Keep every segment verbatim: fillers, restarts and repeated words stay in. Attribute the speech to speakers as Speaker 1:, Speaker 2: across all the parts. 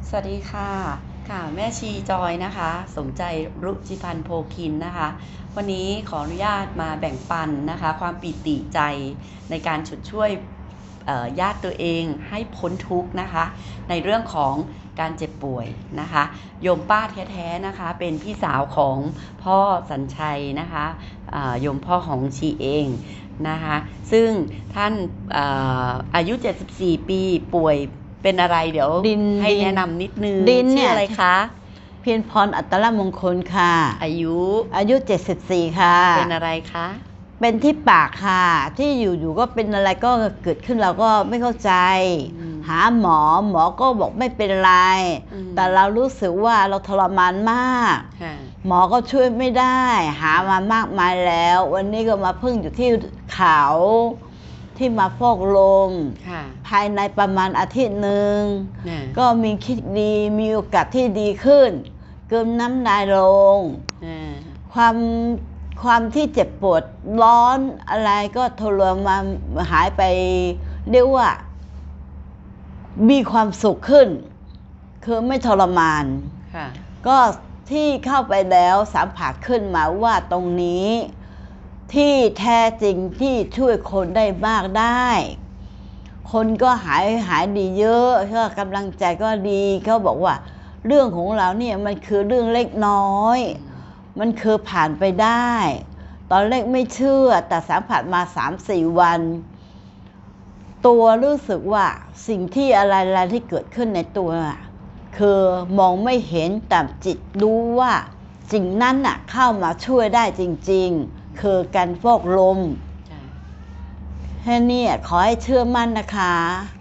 Speaker 1: สวัสดีค่ะค่ะแม่ชีจอยนะคะสมใจรุจิพันธ์โพคินนะคะวันนี้ขออนุญาตมาแบ่งปันนะคะความปิติใจในการฉุดช่วยญาติตัวเองให้พ้นทุกข์นะคะในเรื่องของการเจ็บป่วยนะคะโยมป้าแท้ๆนะคะเป็นพี่สาวของพ่อสัญชัยนะคะโยมพ่อของชีเองนะคะซึ่งท่านอายุเจ็ดสิบสี่ปีป่วยเป็นอะไรเดี๋ยวให้แนะนำนิดนึงชื่ออะไรคะ
Speaker 2: เพียรพรอัตตมงคลค่ะ
Speaker 1: อายุ
Speaker 2: อายุเจ็ดสิบสี่ค่ะ
Speaker 1: เป็นอะไรคะ
Speaker 2: เป็นที่ปากค่ะที่อยู่ๆก็เป็นอะไรก็เกิดขึ้นเราก็ไม่เข้าใจหาหมอหมอก็บอกไม่เป็นไรแต่เรารู้สึกว่าเราทรมานมากหมอก็ช่วยไม่ได้หามามากมายแล้ววันนี้ก็มาพึ่งอยู่ที่เขาที่มาฟอกลมภายในประมาณอาทิตย์หนึ่งก็มีคิดดีมีโอกาสที่ดีขึ้นเกินน้ำลายลงความความที่เจ็บปวดร้อนอะไรก็ทรมานหายไปเรียกว่ามีความสุขขึ้นคือไม่ทรมานก็ที่เข้าไปแล้วสัมผัสขึ้นมาว่าตรงนี้ที่แท้จริงที่ช่วยคนได้มากได้คนก็หายหายดีเยอะก็กำลังใจก็ดีเขาบอกว่าเรื่องของเราเนี่ยมันคือเรื่องเล็กน้อยมันคือผ่านไปได้ตอนแรกไม่เชื่อแต่สัมผัสมา สามสี่ วันตัวรู้สึกว่าสิ่งที่อะไรๆที่เกิดขึ้นในตัวคือมองไม่เห็นแต่จิตรู้ว่าสิ่งนั้นน่ะเข้ามาช่วยได้จริงๆคือการฟอกลมแค่นี้ขอให้เชื่อมั่นนะคะ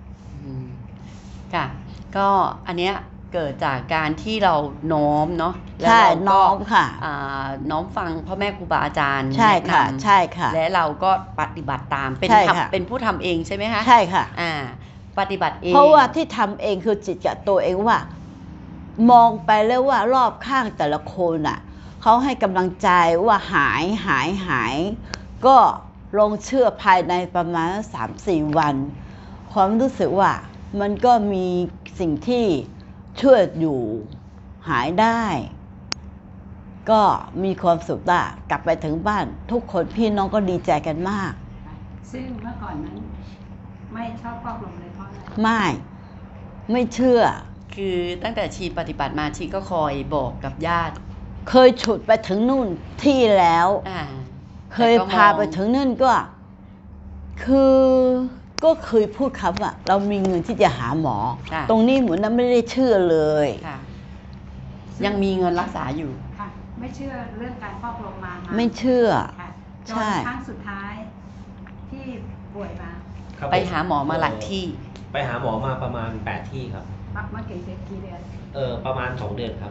Speaker 1: ค่ะก็อันเนี้ยเกิดจากการที่เราน้อมเนาะ
Speaker 2: ใช่น้อมค่ะ
Speaker 1: น้อมฟังพ่อแม่ครูบาอาจารย์
Speaker 2: ใช่ค่ะใช่ค่ะ
Speaker 1: และเราก็ปฏิบัติตามเป็นเป็นผู้ทำเองใช่ไหมคะ
Speaker 2: ใช่ค่ะ
Speaker 1: อ่าปฏิบัติเอง
Speaker 2: เพราะว่าที่ทำเองคือจิตกับตัวเองว่ามองไปแล้วว่ารอบข้างแต่ละคนอ่ะเขาให้กำลังใจว่าหายหายหายก็ลงเชื่อภายในประมาณ สามสี่ วันความรู้สึกว่ามันก็มีสิ่งที่ช่วยอยู่หายได้ก็มีความสุขได้กลับไปถึงบ้านทุกคนพี่น้องก็ดีใจกันมาก
Speaker 3: ซึ่งเมื่อก่อนนั้นไม่ชอบฟอกลมเลยเพราะอะไร
Speaker 2: ไม่ไม่เชื่อ
Speaker 1: คือตั้งแต่ชีปฏิบัติมาชีก็คอยบอกกับญาติ
Speaker 2: เคยฉุดไปถึงนู่นที่แล้วเคยพาไปถึงนั่นก็คือก็เคยพูดคำว่าเรามีเงินที่จะหาหมอตรงนี้เหมือนนั้นไม่ได้เชื่อเลย
Speaker 1: ยังมีเงินรักษาอยู่
Speaker 3: ค่ะไม่เชื่อเรื่องการฟอกลมมา
Speaker 2: ไม่เชื่อ
Speaker 3: ใช่ครั้งสุดท้ายที่ป่วยมา
Speaker 1: ไปหาหมอมาหลายที่
Speaker 4: ไปหาหมอมาประมาณแปดที่ครับ
Speaker 3: มากี่เดือนกี่เดือน
Speaker 4: เออประมาณสองเดือนครับ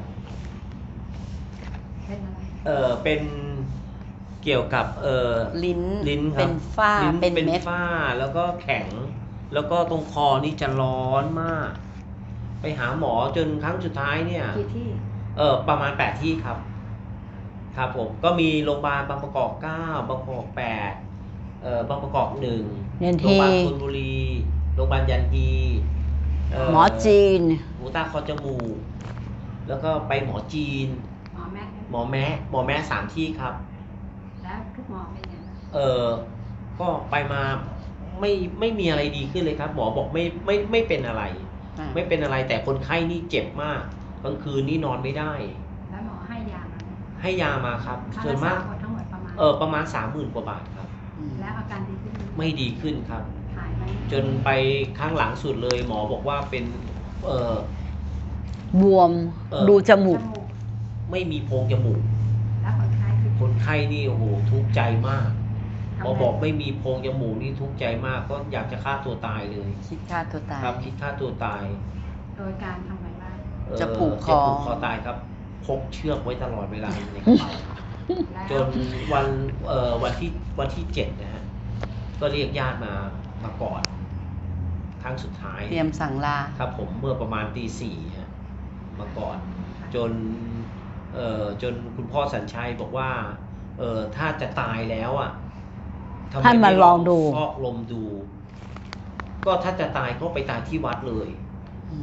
Speaker 3: เป็นอะไร
Speaker 4: เออเป็นเกี่ยวกับเออ
Speaker 1: ลิ้น
Speaker 4: ลิ้นครับ
Speaker 1: เป็นฝ้า
Speaker 4: เป็นเม็ดฝ้าแล้วก็แข็งแล้วก็ตรงคอนี่จะร้อนมากไปหาหมอจนครั้งสุดท้ายเนี่ย
Speaker 3: กี่ที่
Speaker 4: เออประมาณแปดที่ครับครับผมก็มีโรงพยาบาลบางประกอบเก้าบางประกอบแปดเออบางประกอบหนึ่งโรงพยาบาลธนบุรีโรงพยาบาลยันฮี
Speaker 2: หมอจีน
Speaker 4: หูตาคอจมูกแล้วก็ไปหมอจีน
Speaker 3: หมอแม่
Speaker 4: หมอแม้หมอแม้สามที่ครับ
Speaker 3: แล้วทุกหมอเป็นยังไง
Speaker 4: เออก็ไปมาไม่ไม่มีอะไรดีขึ้นเลยครับหมอบอกไม่ไม่ไม่เป็นอะไรไม่เป็นอะไรแต่คนไข้นี่เจ็บมากกลางคืนนี่นอนไม่ได้
Speaker 3: แล้วหมอให้ยามา
Speaker 4: ให้ยามาครับส่วนมาก
Speaker 3: ทั้งหมดประมาณ
Speaker 4: เออประมาณสามหมื่นกว่าบาทครับ
Speaker 3: แล้วอาการดีขึ้น
Speaker 4: ไม่ดีขึ้นครับ
Speaker 3: หายไหม
Speaker 4: จนไปข้างหลังสุดเลยหมอบอกว่าเป็นเอ
Speaker 2: อบวมดูจมูก
Speaker 4: ไม่มีโพรงจมูก
Speaker 3: แล้วคนไข้
Speaker 4: คนไข้นี่โอ้โหทุกข์ใจมากหมอบอกไม่มีโพรงจมูกนี่ทุกข์ใจมากก็อยากจะฆ่าตัวตายเลย
Speaker 1: คิดฆ่าตัวตาย
Speaker 4: ครับคิดฆ่าตัวตาย
Speaker 3: โดยการทำไงบ้าง
Speaker 1: จะผูกคอ
Speaker 4: จะผูกคอตายครับพกเชือกไว้ตลอดเวลาในกระเป๋าจนวันเอ่อวันที่วันที่เจ็ดนะฮะก็เรียกญาติมามากอดครั้งสุดท้าย
Speaker 1: เตรียมสั่งลา
Speaker 4: ครับผมเมื่อประมาณตีสี่ฮะมากอดจนเอ่อจนคุณพ่อสัญชัยบอกว่าเอ่อถ้าจะตายแล้วอ่ะ
Speaker 2: ท่านมาลองดู
Speaker 4: ฟอกลมดูก็ถ้าจะตายก็ไปตายที่วัดเลย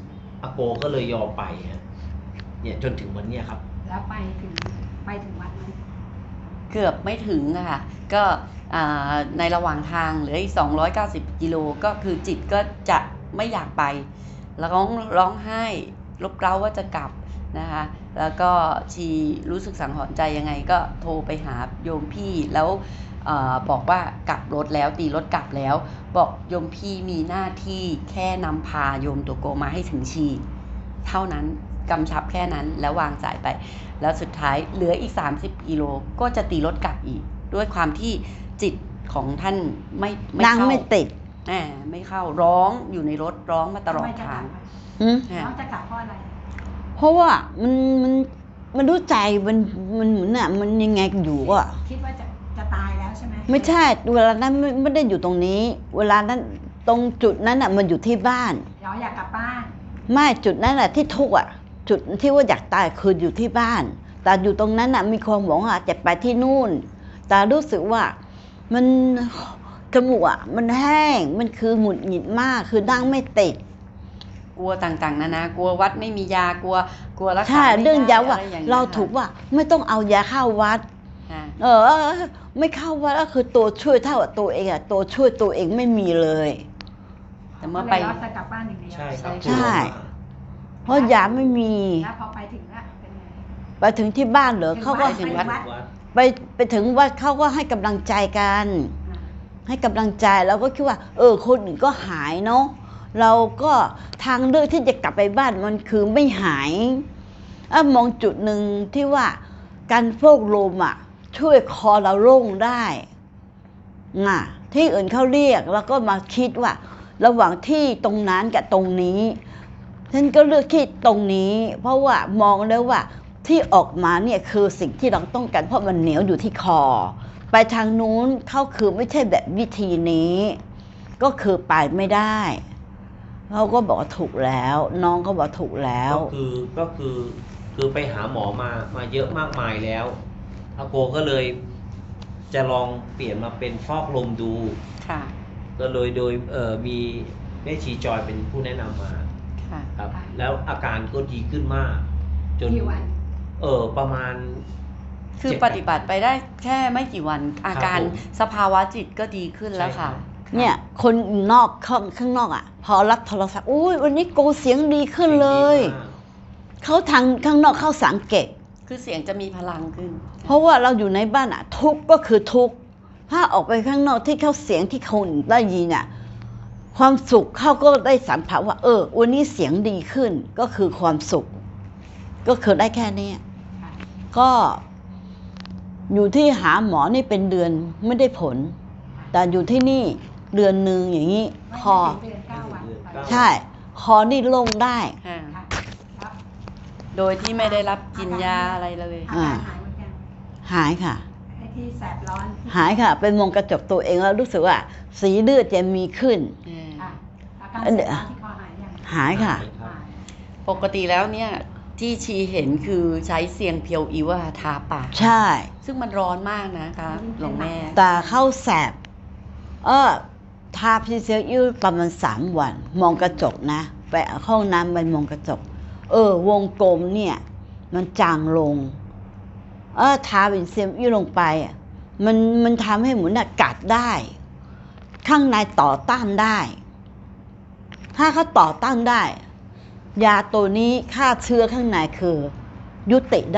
Speaker 4: อาโกก็เลยยอมไปฮะเนี่ยจนถึงวันเนี้ยครับ
Speaker 3: แล้วไปถึงไปถึงวัดไหม
Speaker 1: เกือบไม่ถึงอะค่ะก็อ่าในระหว่างทางเหลืออีกสองร้อยเก้าสิบกิโลก็คือจิตก็จะไม่อยากไปแล้วร้องร้องไห้รบเร้าว่าจะกลับนะคะแล้วก็ชีรู้สึกสังหรณ์ใจยังไงก็โทรไปหาโยมพี่แล้วเออบอกว่ากลับรถแล้วตีรถกลับแล้ว บอกโยมพี่มีหน้าที่แค่นำพาโยมตัวโกมาให้ถึงชีเท่านั้นกำชับแค่นั้นแล้ววางสายไป แล้วสุดท้ายเหลืออีกสามสิบกิโลก็จะตีรถกลับอีก ด้วยความที่จิตของท่านไม่ไม่
Speaker 2: นั่ง
Speaker 1: เข้า
Speaker 2: ไม่ติด
Speaker 1: อ่าไม่เข้าร้องอยู่ในรถร้องมาตลอด
Speaker 3: ทำไมจะก
Speaker 1: ทา
Speaker 3: ลั
Speaker 1: ง
Speaker 3: บอะ
Speaker 2: หืม
Speaker 1: อ่า
Speaker 3: น้องจะกลับเพราะอะไร
Speaker 2: เพราะว่ามันมันมันรู้ใจมันมันเหมือนอ่ะมันยังไงอยู่อ่ะ
Speaker 3: คิดว่าจะจะตายแล้วใช่ไหม
Speaker 2: ไม่ใช่เวลานั้นไม่ไม่ได้อยู่ตรงนี้ เวลานั้นตรงจุดนั้นอ่ะมันอยู่ที่บ้าน
Speaker 3: เราอยากกลับบ้าน
Speaker 2: ไม่จุดนั้นแหละที่ทุกข์อ่ะ จุดที่ว่าอยากตายคืออยู่ที่บ้าน แต่อยู่ตรงนั้นอ่ะมีความหวังอ่ะจะไปที่นู่น แต่รู้สึกว่ามันจมูกอ่ะมันแห้งมันคือหงุดหงิดมากคือนั่งไม่ติด
Speaker 1: กลัวต่างๆนานากลัววัดไม่มียากลัวกลัวรักษา
Speaker 2: ใช่
Speaker 1: ไม่ได้
Speaker 2: เรื่องยาว่า
Speaker 1: ะไอย่งงี้ย
Speaker 2: เราถูกว่าไม่ต้องเอายาเข้าวัด
Speaker 1: ค่ะ
Speaker 2: เออ ไม่เข้าวัดก็คือตัวช่วยเท่ากับตัวเองอ่ะตัวช่วยตัวเองไม่มีเลย
Speaker 1: แต่เมื่อไป
Speaker 3: ก็ลยรอดจะกลับบ้านอย่างเดียว
Speaker 4: ใช่ครับ
Speaker 1: ใช่
Speaker 2: ใช่ เพราะยาไม่มี
Speaker 3: แล้วพอไปถึงอะเป็นไง
Speaker 2: ไปถึงที่บ้านเหรอ
Speaker 3: ถึง
Speaker 2: เขาก็
Speaker 3: วัด
Speaker 1: ถึงวัด
Speaker 4: วัด
Speaker 2: ไปไปถึงวัดเขาก็ให้กำลังใจกัน
Speaker 3: อ่า
Speaker 2: ให้กำลังใจเราก็คิดว่า เออคนอื่นก็หายเนาะเราก็ทางเลือกที่จะกลับไปบ้านมันคือไม่หายอะมองจุดหนึ่งที่ว่าการโฟกลมอ่ะ ช่วยคอเราโล่งได้น่ะที่อื่นเขาเรียกแล้วก็มาคิดว่า ระหว่างที่ตรงนั้นกับตรงนี้ฉันก็เลือกที่ตรงนี้ เพราะว่ามองแล้วว่าที่ออกมาเนี่ยคือสิ่งที่เราต้องการเพราะมันเหนียวอยู่ที่คอ ไปทางนู้นเขาคือไม่ใช่แบบวิธีนี้ ก็คือไปไม่ได้เขาก็บอกว่าถูกแล้ว น้องก็บอกถูกแล้ว
Speaker 4: ก็คือก็คือคือไปหาหมอมามาเยอะมากมายแล้วอาโกก็เลยจะลองเปลี่ยนมาเป็นฟอกลมดู
Speaker 1: ค่ะ
Speaker 4: ก็เลยโดยเอ่อมีแม่ชีจอยเป็นผู้แนะนำมา
Speaker 1: ค่ะ
Speaker 4: ครับ แล้วอาการก็ดีขึ้นมาก จน
Speaker 3: กี่วัน
Speaker 4: เออประมาณ
Speaker 1: คือ
Speaker 4: เจ็ด
Speaker 1: ปฏิบัติไปได้แค่ไม่กี่วัน อาการ
Speaker 4: ผม
Speaker 1: สภาวะจิตก็ดีขึ้นแล้วค่ะ
Speaker 4: ใช่ครับ
Speaker 2: เนี่ยคนนอกข้างข้างนอกอ่ะ พอรับโทรศัพท์อุ้ยวันนี้โกเสียงดีขึ้นเลย
Speaker 4: ดีมาก
Speaker 2: เขาทางข้างนอกเขาสังเกต
Speaker 1: คือเสียงจะมีพลังขึ้น
Speaker 2: เพราะว่าเราอยู่ในบ้านอ่ะ ทุกข์ก็คือทุกข์ถ้าออกไปข้างนอกที่เขาเสียงที่คนอื่นได้ยินอ่ะ ความสุขเขาก็ได้สัมผัสว่า เออ วันนี้เสียงดีขึ้นก็คือความสุข ก็คือได้แค่เนี้ย
Speaker 3: ค่ะ
Speaker 2: ก็อยู่ที่หาหมอนี่เป็นเดือนไม่ได้ผล แต่อยู่ที่นี่เดือนหนึ่งอย่างนี้
Speaker 3: ไม่
Speaker 2: คอ
Speaker 3: ไม่ถึงเดือนเก้าวัน
Speaker 4: ไม่ถึงเดือนเก้า
Speaker 2: ใช่ คอนี่โล่งได้
Speaker 1: ค่ะ
Speaker 3: ค่ะแล้ว
Speaker 1: โดยที่ไม่ได้รับกินยาอะไรเลย
Speaker 3: อาการหายหมดยัง
Speaker 2: หายค่ะ
Speaker 3: ไอ้ที่แสบร้อนที่
Speaker 2: หายค่ะ เป็นมองกระจกตัวเองแล้วรู้สึกว่า สีเลือดจะมีขึ้น
Speaker 1: เออ
Speaker 3: ค่ะอาการ
Speaker 2: อัน
Speaker 3: แส
Speaker 2: เดี๋
Speaker 3: บ
Speaker 2: ยว
Speaker 3: ร้อนที่คอหายยัง
Speaker 2: หายค่ะ
Speaker 3: หาย
Speaker 1: ปกติแล้วเนี่ย ที่ชีเห็นคือใช้เสียงเพียวอิวอะทาปาก
Speaker 2: ใช่
Speaker 1: ซึ่งมันร้อนมากนะคะหลวงแม่
Speaker 2: ตาเข้าแสบ เออทาพีเซลยืดประมาณสามวัน มองกระจกนะ ไปห้องน้ำไปมองกระจก เออ วงกลมเนี่ย มันจางลง เออทาเป็นเซลยืดลงไปอ่ะมันมันทำให้เหมือนน่ะกัดได้ ข้างในต่อต้านได้ ถ้าเขาต่อต้านได้ ยาตัวนี้ฆ่าเชื้อข้างในคือ ยุติได้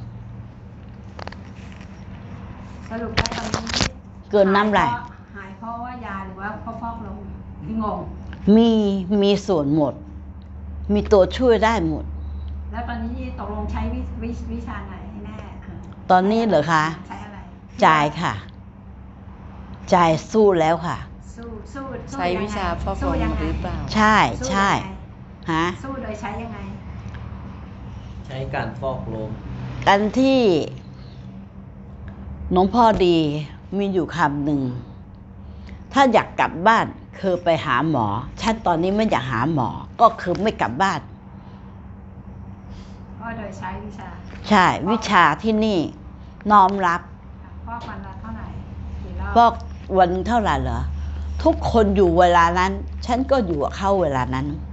Speaker 3: สรุปแล้วตอนนี้
Speaker 2: เกินน้ำลาย
Speaker 3: หายเพราะว่ายาหรือว่าเพราะฟอกลมที่งง
Speaker 2: มีมีส่วนหมด มีตัวช่วยได้หมด
Speaker 3: แล้วตอนนี้ตกลงใช้วิวิวิชาไหนให้แน่
Speaker 2: ตอนนี้เหรอคะ
Speaker 3: ใช้อะไร
Speaker 2: จ่ายค่ะ จ่ายสู้แล้วค่ะ
Speaker 3: สู้สู้สู้
Speaker 1: ใช้วิชาฟอกล
Speaker 3: สู้
Speaker 1: ม
Speaker 3: ยังไง
Speaker 1: หรือเปล่า
Speaker 2: ใช่
Speaker 3: สู้
Speaker 2: ใช่
Speaker 3: ยังไง
Speaker 2: ฮะ
Speaker 3: สู้โดยใช้ยังไง
Speaker 4: ใช้การฟอกลม
Speaker 2: กันที่หลวงพ่อดีมีอยู่คำหนึ่ง ถ้าอยากกลับบ้านคือไปหาหมอ ฉันตอนนี้ไม่อยากหาหมอ ก็คือไม่กลับบ้าน
Speaker 3: ก็โดยใช้วิชา
Speaker 2: ใช่ วิชาที่นี่น้อมรับ
Speaker 3: ฟอกวันละเท่าไหร่กี่รอบ
Speaker 2: บอกวันเท่าไหร่เหรอ ทุกคนอยู่เวลานั้น ฉันก็อยู่กับเขาเวลานั้น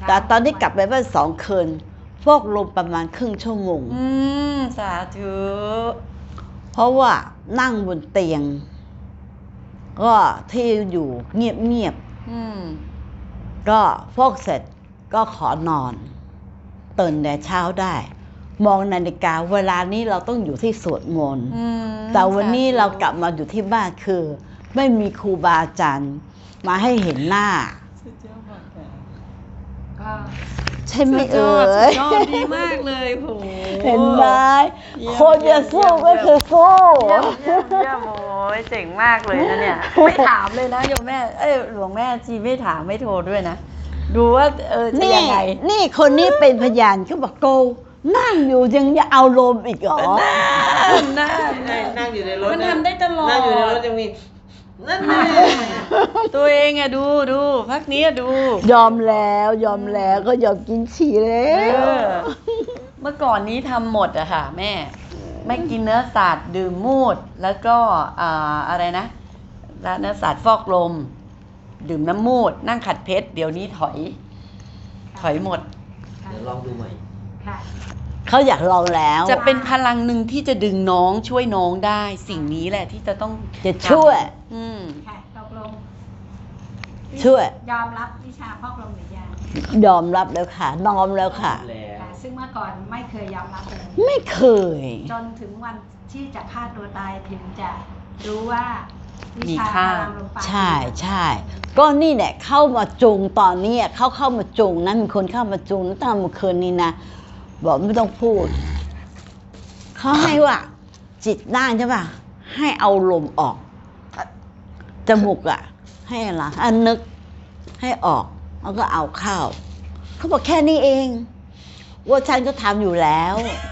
Speaker 2: แต่ตอนที่กลับไปบ้านสองคืนฟอกลมประมาณครึ่งชั่วโมง
Speaker 1: อืมสาธุ
Speaker 2: เพราะว่านั่งบนเตียง ก็ที่อยู่เงียบ
Speaker 1: อืม
Speaker 2: ๆก็ฟอกเสร็จก็ขอนอนตื่นแต่เช้าได้ มองนาฬิกาเวลานี้เราต้องอยู่ที่สวดมนต์
Speaker 1: อืม
Speaker 2: แต่วันนี้
Speaker 1: สธุ
Speaker 2: เรากลับมาอยู่ที่บ้านคือ ไม่มีครูบาอาจารย์มาให้เห็นหน้า
Speaker 1: สุดยอดมากค่ะ
Speaker 3: ก็
Speaker 2: ใช่ไหม
Speaker 1: สุดย
Speaker 2: เอ่
Speaker 1: อดสุ
Speaker 2: ย
Speaker 1: ดยอดดีมากเลยโห
Speaker 2: เห็นไหม
Speaker 1: เยี่ยม
Speaker 2: คนจะสู้ก็คือสู้
Speaker 1: เยี่ยมเยี่ยมเยี่ยมโอ้ยเจ๋งมากเลยนะเนี่ย ไม่ถามเลยนะโยมแม่ เอ้ยหลวงแม่ชีไม่ถามไม่โทรด้วยนะ ดูว่าเออจะ
Speaker 2: นี่
Speaker 1: ยังไง
Speaker 2: นี่คนนี้เป็นพยานเขาบอกโกนั่งอยู่ยังจะเอาลมอีกเหรอ
Speaker 1: น่า
Speaker 4: นั่งอยู่ในรถ
Speaker 1: มันทำได้ตลอด
Speaker 4: นั่งอยู่ในรถยังมีนั่นแน่
Speaker 1: ตัวเองอะดูดูพักนี้อะดู
Speaker 2: ยอมแล้วยอมแล้วก็ยอมกินฉี่แล้
Speaker 1: เอ
Speaker 2: ว
Speaker 1: อ เมื่อก่อนนี้ทำหมดอะค่ะ แม่ ไม่กินเนื้อสัตว์ดื่มมูด แล้วก็อ่าอะไรนะแล้วเนื้อสัตว์ฟอกลม ดื่มน้ำมูด นั่งขัดเพชรเดี๋ยวนี้ถอย ถอยหมด
Speaker 3: ค่ะ
Speaker 4: เดี๋ยวลองดูใหม่
Speaker 3: ค่ะ
Speaker 2: เขาอยากลองแล้ว
Speaker 1: จะเป็นพลังหนึ่งที่จะดึงน้องช่วยน้องได้ สิ่งนี้แหละที่จะต้อง
Speaker 2: จะช่วย
Speaker 1: อืม
Speaker 3: ค่ะตกลง
Speaker 2: ช่วย
Speaker 3: ยอมรับวิชาพอกลมหรือยัง
Speaker 2: ยอมรับแล้วค่ะน้อมแล้วค่ะ
Speaker 4: แล้ว
Speaker 3: ค่ะ ซึ่งเมื่อก่อนไม่เคยยอมรับเลย
Speaker 2: ไม่เคย
Speaker 3: จนถึงวันที่จะฆ่าตัวตายถึงจะรู้ว่าวิ
Speaker 1: มี
Speaker 3: ชา
Speaker 1: ค่า
Speaker 3: พลังลมปราณ
Speaker 2: ใช่ใช่ก็นี่แหละเข้ามาจูงตอนนี้เขาเข้ามาจูงนะมีคนเข้ามาจูงตั้งแต่เมื่อคืนนี้นะบอกไม่ต้องพูดเขาให้ว่า จิตนั่งใช่ป่ะให้เอาลมออกจมูกอะให้อะไรอันนึกให้ออกแล้วก็เอาเข้าเขาบอกแค่นี้เองว่าฉันก็ทำอยู่แล้ว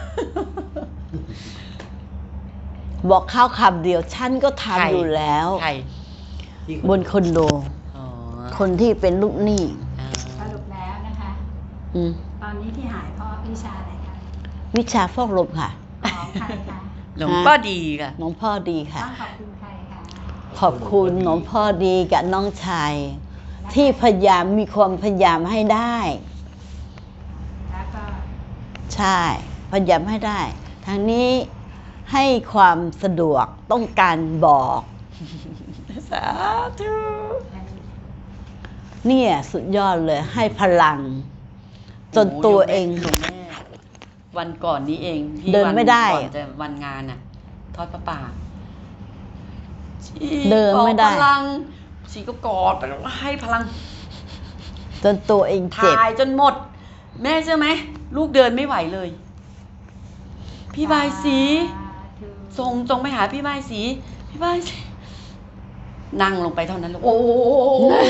Speaker 2: บอกข้าวคำเดียวฉันก็ทำ
Speaker 1: ใคร
Speaker 2: อยู่แล้ว
Speaker 1: ใคร
Speaker 4: ที่
Speaker 2: บนคอนโด
Speaker 1: อ๋อ
Speaker 2: คนที่เป็นลูกหนี้
Speaker 1: อ่า
Speaker 3: สรุปแล้วนะคะ
Speaker 2: อืม
Speaker 3: ตอนนี้ที่หายเพราะวิชาอะไรคะ
Speaker 2: วิชาฟอกลมค่ะ
Speaker 3: ของใครคะ
Speaker 1: หลวงพ่อดีค่ะ
Speaker 2: น้องพ่อดีค่ะ
Speaker 3: ต้องขอบคุณใครคะ
Speaker 2: ขอบคุณน้องพ่อดีกับน้องชาย ที่พยายามมีความพยายามให้ได้
Speaker 3: แล้วก็
Speaker 2: ใช่ พยายามให้ได้ทางนี้ให้ความสะดวกต้องการบอก
Speaker 1: สาธุ
Speaker 2: เนี่ยสุดยอดเลยให้พลัง จนตัวเอง
Speaker 1: หลวงแม่วันก่อนนี้เองที่
Speaker 2: เดิน
Speaker 1: วั
Speaker 2: ไม่ได้
Speaker 1: ก่อนจะวันงานน่ะ ทอดพระป่าชี
Speaker 2: เดินไม่ได้
Speaker 1: ออกพลังชีก็กอดไปแล้วให้พลัง
Speaker 2: จนตัวเองเจ็บ
Speaker 1: ถ่ายจนหมด แม่เชื่อไหมลูกเดินไม่ไหวเลย พี่บายสี
Speaker 3: ธุ
Speaker 1: ส่งจงไปหาพี่บายสี พี่บายสีนั่งลงไปเท่านั้นเลยโอ้โห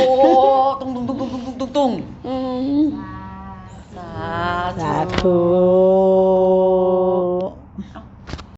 Speaker 1: ตุ้งตุ้งตุ้งตุ้งตุ้งตุ้งตุ้ง
Speaker 2: อืม
Speaker 3: สาธุ
Speaker 1: สา
Speaker 2: สา
Speaker 1: ธุ
Speaker 2: ธุ